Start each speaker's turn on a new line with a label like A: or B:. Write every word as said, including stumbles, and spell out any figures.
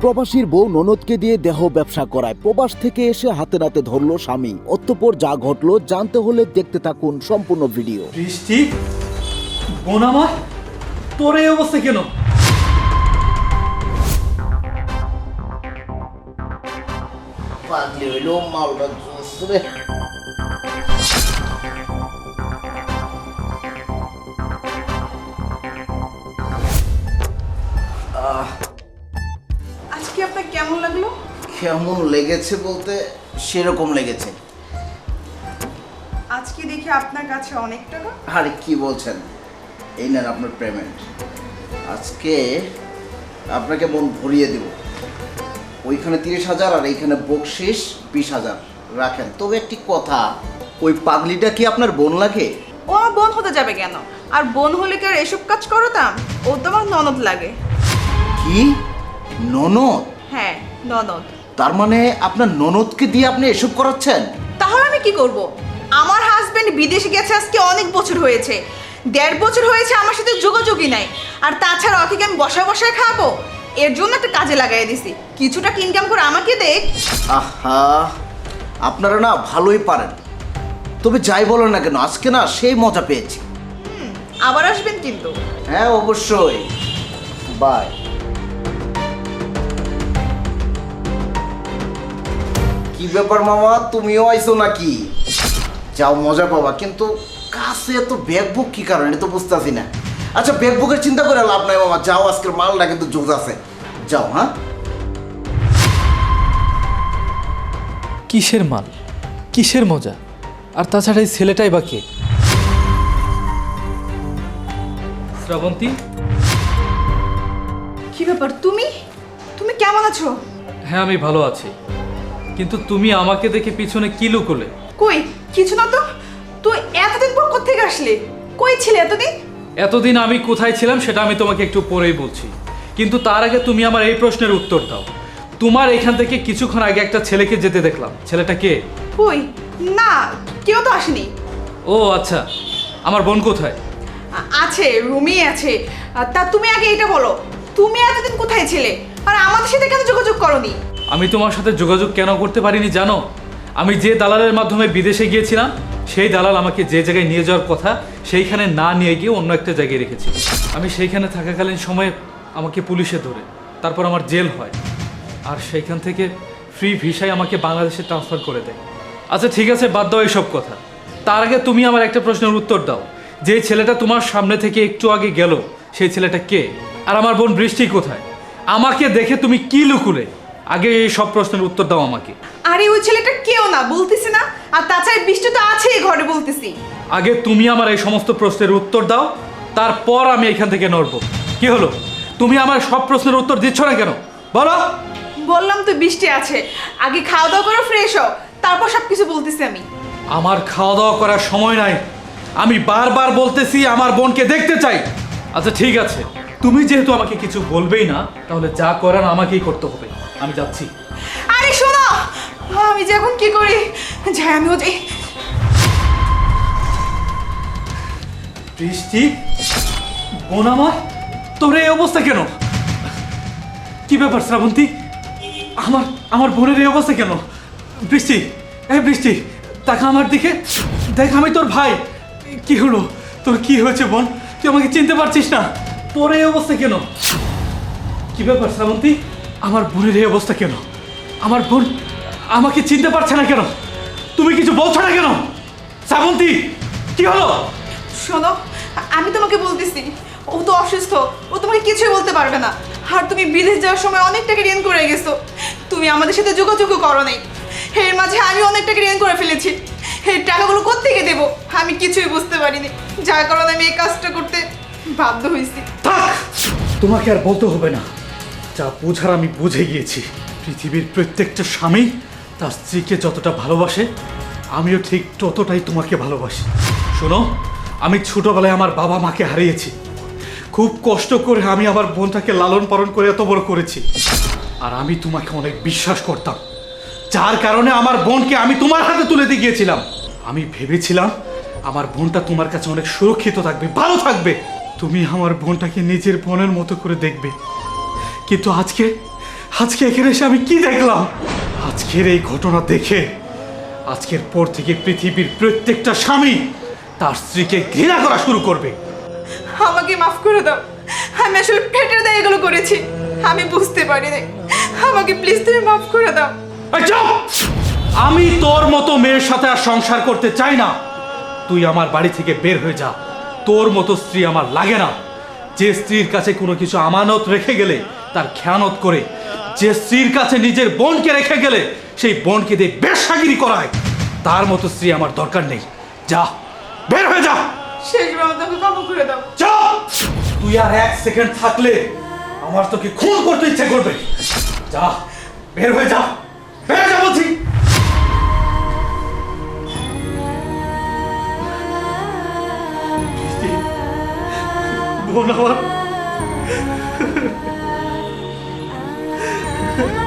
A: প্রবাসীর বউ ননদকে দিয়ে দেহ ব্যবসা করায়, প্রবাস থেকে এসে হাতে নাতে ধরলো স্বামী। অতঃপর যা ঘটলো জানতে হলে দেখতে থাকুন সম্পূর্ণ ভিডিও।
B: বৃষ্টি, বোন আমার, তোর এই অবস্থা কেন?
A: পাগলি হইলো মালটা জোস রে।
C: আজকে আপনার কেমন লাগলো?
A: কেমন লেগেছে বলতে সেরকম লেগেছে।
C: আজকে দেখি আপনার কাছে অনেক টাকা।
A: আরে কি বলছেন, এই নেন আপনার পেমেন্ট। আজকে আপনাকে মন ভরিয়ে দেব। ওইখানে তিরিশ হাজার আর এইখানে বকশিস বিশ হাজার রাখেন। তবে একটি কথা, ওই পাগলিটা কি আপনার বোন লাগে?
C: ও আমার বোন হতে যাবে কেন? আর বোন হলে কি আর এসব কাজ করতাম? ও তো আমার ননদ লাগে।
A: কি ননদ?
C: হ্যাঁ, ননদ।
A: তার মানে আপনার ননদকে দিয়ে আপনি এসব করাচ্ছেন?
C: তাহলে আমি কি করব? আমার হাজবেন্ড বিদেশে গেছে আজকে অনেক বছর হয়েছে, দেড় বছর হয়েছে আমার সাথে যোগাযোগই নাই। আর তাছাড়া ওকে আমি বসায় বসায় খাবো? এর জন্য একটা কাজে লাগাই দিছি, কিছুটা ইনকাম করে আমাকে দেখ।
A: আহা, আপনারা না ভালোই পারেন। তবে যাই বলেন না কেন, আজকে না সেই মজা পেয়েছি।
C: আবার আসবেন কিন্তু।
A: হ্যাঁ অবশ্যই, বাই। কি ব্যাপার মামা, তুমিও আইছো নাকি? যাও মজা পাবা, কিন্তু কাছে এত ব্যাগ বুক কি কারণে তো বুঝতেছি না। আচ্ছা ব্যাগ বুকের চিন্তা করে লাভ নাই মামা, যাও, আজকের মালটা কিন্তু জোজ আছে। যাও। হ্যাঁ,
B: কিসের মাল, কিসের মজা? আর তাছাড়া এই ছেলেটাই বা কে? শ্রাবন্তী,
C: কি ব্যাপার, তুমি তুমি কেমন আছো?
B: হ্যাঁ আমি ভালো আছি, কিন্তু তুমি আমাকে দেখে পিছনে কি লুকোলে?
C: কই কিছু না তো। তুই এতদিন পর কোত্থেকে আসলে? কই ছিলে এতদিন?
B: এতদিন আমি কোথায় ছিলাম সেটা আমি তোমাকে একটু পরেই বলছি, কিন্তু তার আগে তুমি আমার এই প্রশ্নের উত্তর দাও। তোমার এখান থেকে কিছুক্ষণ আগে একটা ছেলেকে যেতে দেখলাম, ছেলেটা কে?
C: কই না, কেউ তো আসেনি।
B: ও আচ্ছা, আমার বোন কোথায়?
C: আ- আছে, রুমেই আছে। আর তা তুমি আগে এটা বলো, তুমি এতদিন কোথায় ছিলে আর আমাদের সাথে কেন যোগাযোগ করনি?
B: আমি তোমার সাথে যোগাযোগ কেন করতে পারিনি জানো? আমি যে দালালের মাধ্যমে বিদেশে গিয়েছিলাম, সেই দালাল আমাকে যে জায়গায় নিয়ে যাওয়ার কথা সেইখানে না নিয়ে গিয়ে অন্য একটা জায়গায় রেখেছি। আমি সেইখানে থাকাকালীন সময়ে আমাকে পুলিশে ধরে, তারপর আমার জেল হয়, আর সেইখান থেকে ফ্রি ভিসায় আমাকে বাংলাদেশে ট্রান্সফার করে দেয়। আচ্ছা ঠিক আছে, বাদ দাও এইসব কথা। তার আগে তুমি আমার একটা প্রশ্নের উত্তর দাও, যে ছেলেটা তোমার সামনে থেকে একটু আগে গেল সেই ছেলেটা কে? আর আমার বোন বৃষ্টি কোথায়? আমাকে দেখে তুমি কি লুকুলে? আগে এই সব প্রশ্নের উত্তর দাও আমাকে।
C: আরে ওই ছেলেটা কেউ না বলতেছি না, আর তাছাড়া বৃষ্টি তো আছেই ঘরে বলতেছি।
B: আগে তুমি আমার এই সমস্ত প্রশ্নের উত্তর দাও, তারপর আমি এখান থেকে নড়বো। কি হলো, তুমি আমার সব প্রশ্নের উত্তর দিচ্ছ না কেন বলো?
C: বললাম তো বৃষ্টি আছে, আগে খাওয়া দাওয়া করে ফ্রেশ হও, তারপর সব কিছু বলতেছি আমি।
B: আমার খাওয়া দাওয়া করার সময় নাই, আমি বারবার বলতেছি আমার বোনকে দেখতে চাই। আচ্ছা ঠিক আছে, তুমি যেহেতু আমাকে কিছু বলবেই না, তাহলে যা করার আমাকেই করতে হবে। আমি যাচ্ছি।
C: আরে শোনো, আমি যে এখন কি করি, যাই আমিও যাই।
B: বৃষ্টি, বোন আমার, তোর এই অবস্থা কেন? কি ব্যাপার শ্রাবন্তী, আমার আমার বোনের এই অবস্থা কেন? বৃষ্টি, এই বৃষ্টি, তাকা আমার দিকে, দেখ আমি তোর ভাই। কি হলো, তোর কি হয়েছে বোন? তুই আমাকে চিনতে পারছিস না? তোর এই অবস্থা কেন? কি ব্যাপার শ্রাবন্তী, আমার বোনের এই অবস্থা কেন? আমার বোন আমাকে চিনতে পারছে না কেন? তুমি কিছু বলছো না কেন? শ্রাবন্তী, কি হলো?
C: শোনো, আমি তোমাকে বলতেছি, ও তো অসুস্থ, ও তোমাকে কিছুই বলতে পারবে না। আর তুমি বিদেশ যাওয়ার সময় অনেক টাকা ঋণ করে গেছো, তুমি আমাদের সাথে যোগাযোগও করো নাই। এর মাঝে আমি অনেক টাকা ঋণ করে ফেলেছি, এই টাকাগুলো কোত্থেকে দেবো আমি কিছুই বুঝতে পারিনি, যার কারণে আমি এই কাজটা করতে বাধ্য হয়েছি।
B: থাক, তোমাকে আর বলতে হবে না, যা বোঝার আমি বুঝে গিয়েছি। পৃথিবীর প্রত্যেকটা স্বামী তার স্ত্রীকে যতটা ভালোবাসে, আমিও ঠিক ততটাই তোমাকে ভালোবাসি। শোনো, আমি ছোটবেলায় আমার বাবা মাকে হারিয়েছি, খুব কষ্ট করে আমি আমার বোনটাকে লালন পালন করে এত বড় করেছি। আর আমি তোমাকে অনেক বিশ্বাস করতাম, যার কারণে আমার বোনকে আমি তোমার হাতে তুলে দিয়ে গিয়েছিলাম। আমি ভেবেছিলাম আমার বোনটা তোমার কাছে অনেক সুরক্ষিত থাকবে, ভালো থাকবে, তুমি আমার বোনটাকে নিজের বোনের মতো করে দেখবে। কিন্তু আজকে আজকে এখানে এসে আমি কি দেখলাম? আজকের এই ঘটনা দেখে আজকের পর থেকে পৃথিবীর প্রত্যেকটা স্বামী তার স্ত্রীকে ঘৃণা করা শুরু করবে।
C: আমাকে মাফ করে দাও, আমি আসলে পেটের দায়ে এগুলো করেছি, আমি বুঝতে পারিনি। আমাকে প্লিজ তুমি মাফ করে দাও।
B: এই চুপ! আমি তোর মতো মেয়ের সাথে আর সংসার করতে চাই না। তুই আমার বাড়ি থেকে বের হয়ে যা। তোর মতো স্ত্রী আমার লাগে না। যে স্ত্রীর কাছে কোনো কিছু আমানত রেখে গেলে তার খেয়ানত করে, যে স্ত্রীর কাছে নিজের বোনকে রেখে গেলে সেই বোনকে দিয়ে বেশ্যাগিরি করায়, তার মতো স্ত্রী আমার দরকার নেই। যা, বের হয়ে যা।
C: শেষবার মতো আমাকে ক্ষমা করে দাও।
B: চুপ! তুই আর এক সেকেন্ড থাকলে আমার তোকে খুন করতে ইচ্ছে করবে। যা, বের হয়ে যা, বের হয়ে যা বলছি। বোন আমার